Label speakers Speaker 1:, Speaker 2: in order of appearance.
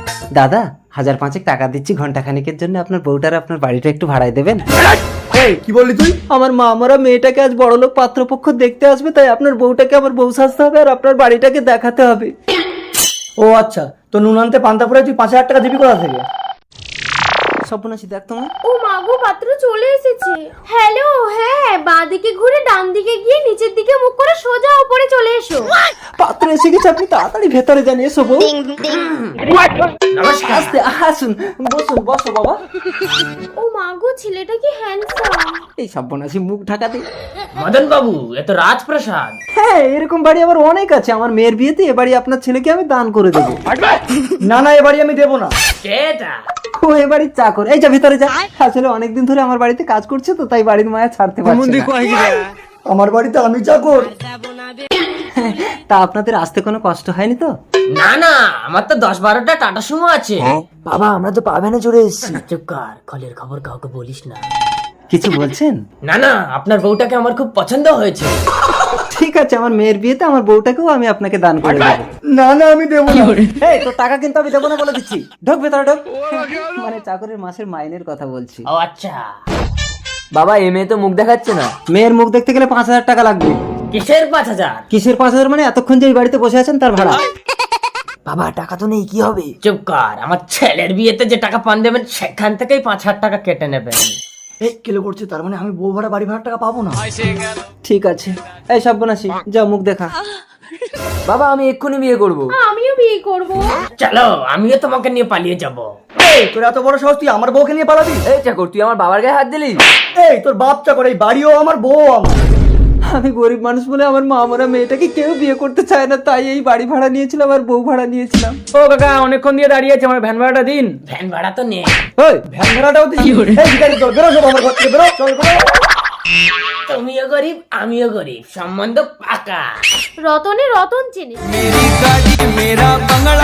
Speaker 1: দাদা 1000-5 টাকা দিচ্ছি ঘন্টা খানিকের জন্য, আপনার বউটার আপনার বাড়িটা একটু ভাড়ায় দেবেন?
Speaker 2: কি বললি তুই?
Speaker 1: আমার মামারা মেয়েটাকে আজ বড়লোক পাত্রপক্ষ দেখতে আসবে, তাই আপনার বউটাকে আমার বউ সাজতে হবে আর আপনার বাড়িটাকে দেখাতে হবে।
Speaker 2: ও আচ্ছা, তো নুন আনতে পান্তা পরে তুই 5000 টাকা দিবি কোথা থেকে?
Speaker 1: সর্বনাশী, দেখ তোমার
Speaker 3: ও মাগো, পাত্র চলে এসেছে। হ্যালো, হ্যাঁ, বাঁ দিকে ঘুরে ডান দিকে গিয়ে নিচের দিকে মুখ করে সোজা উপরে চলে এসো।
Speaker 1: পাত্র এসে গেছে, আপনি তাড়াতাড়ি ভেতরে যান। এসো বউ।
Speaker 2: নমস্কার।
Speaker 1: আস্তে আসুন, বসুন, বসো বাবা।
Speaker 3: ও মাগো, ছেলেটা কি হ্যান্ডসাম।
Speaker 1: এই সর্বনাশী, মুখ ঢাকা দে।
Speaker 4: মদন বাবু, এ তো রাজপ্রাসাদ।
Speaker 1: হ্যাঁ, এরকম বাড়ি আবার অনেক আছে। আমার মেয়ের বিয়েতে এ বাড়ি আপনার ছেলেকে আমি দান করে দেবো।
Speaker 2: না না, এ বাড়ি আমি দেবো না।
Speaker 4: কেটা?
Speaker 1: ও এ বাড়ির চাকর। এই যা ভিতরে যা। আসলে অনেকদিন ধরে আমার বাড়িতে কাজ করছে তো, তাই বাড়ির মায়া ছাড়তে পারছে না।
Speaker 2: আমার বাড়িতে আমি চাকর?
Speaker 1: তা আপনাদের আসতে কোনো কষ্ট হয়নি তো?
Speaker 4: না না, আমার তো 10-12টা টাটা সুমো আছে।
Speaker 1: বাবা, আমরা তো পাবেনা চলে এসেছি।
Speaker 4: চুপ কর, কলের খবর কাউকে বলিস না।
Speaker 1: কিছু বলছেন?
Speaker 4: না না, আপনার বউটাকে আমার খুব পছন্দ হয়েছে।
Speaker 1: ঠিক আছে, আমার মেয়ের বিয়েতে আমার বউটাকেও আমি আপনাকে দান করে দেবো।
Speaker 2: না না, আমি দেবো না।
Speaker 1: এই, তোর টাকা কিন্তু আমি দেবো না বলে দিচ্ছি। ঢোক ভেতরে, ঢোক। মানে চাকরের মাসের মাইনের কথা বলছি।
Speaker 4: ও আচ্ছা।
Speaker 5: বাবা, এ মেয়ে তো মুখ দেখাচ্ছে না।
Speaker 1: মেয়ের মুখ দেখতে গেলে 5000 টাকা লাগবে।
Speaker 4: কিসের 5000?
Speaker 1: কিসের 5000? মানে এতক্ষণ যে এই বাড়িতে বসে আছেন তার ভাড়া।
Speaker 5: বাবা, টাকা তো নেই, কি হবে?
Speaker 4: চুপ কর, আমার ছেলের বিয়েতে যে টাকা পান দেবেন সেখান থেকেই 5000 টাকা কেটে নেবেন।
Speaker 2: এই কেলে করছে, তার মানে আমি বউ ভাড়া বাড়ি ভাড়া টাকা পাবো না?
Speaker 1: ঠিক আছে। এই সর্বনাশী, যা মুখ দেখা।
Speaker 5: বাবা, আমি এক্ষুনি বিয়ে করব।
Speaker 3: আমিও বিয়ে করব।
Speaker 4: চলো, আমিও তোমাকে নিয়ে পালিয়ে যাব।
Speaker 2: এই তোর এত বড় সাহস, তুই আমার বউকে নিয়ে পালাবি?
Speaker 5: এই চাকর, তুই আমার বাবার গায়ে হাত দিলি?
Speaker 2: এই তোর বাপ চাকর, এই বাড়িও আমার, বউ আমার।
Speaker 1: আমি গরিব মানুষ বলে আমার মা মরা মেয়েটাকে কেউ বিয়ে করতে চায় না, তাই এই বাড়ি ভাড়া নিয়েছিলাম আর বউ ভাড়া নিয়েছিলাম।
Speaker 5: ও কাকা, অনেকক্ষণ দিয়ে দাঁড়িয়ে আছে, আমার ভ্যান ভাড়াটা দিন।
Speaker 4: ভ্যান ভাড়া তো নেই।
Speaker 1: ওই,
Speaker 2: ভ্যান ভাড়াটাও দিই? এই ভিখারি, চল বেরো, সব আমার ঘর থেকে বেরো, চল বেরো।
Speaker 4: তুমিও গরিব, আমিও গরিব, সম্বন্ধ পাকা।
Speaker 3: রতনে রতন চেনে।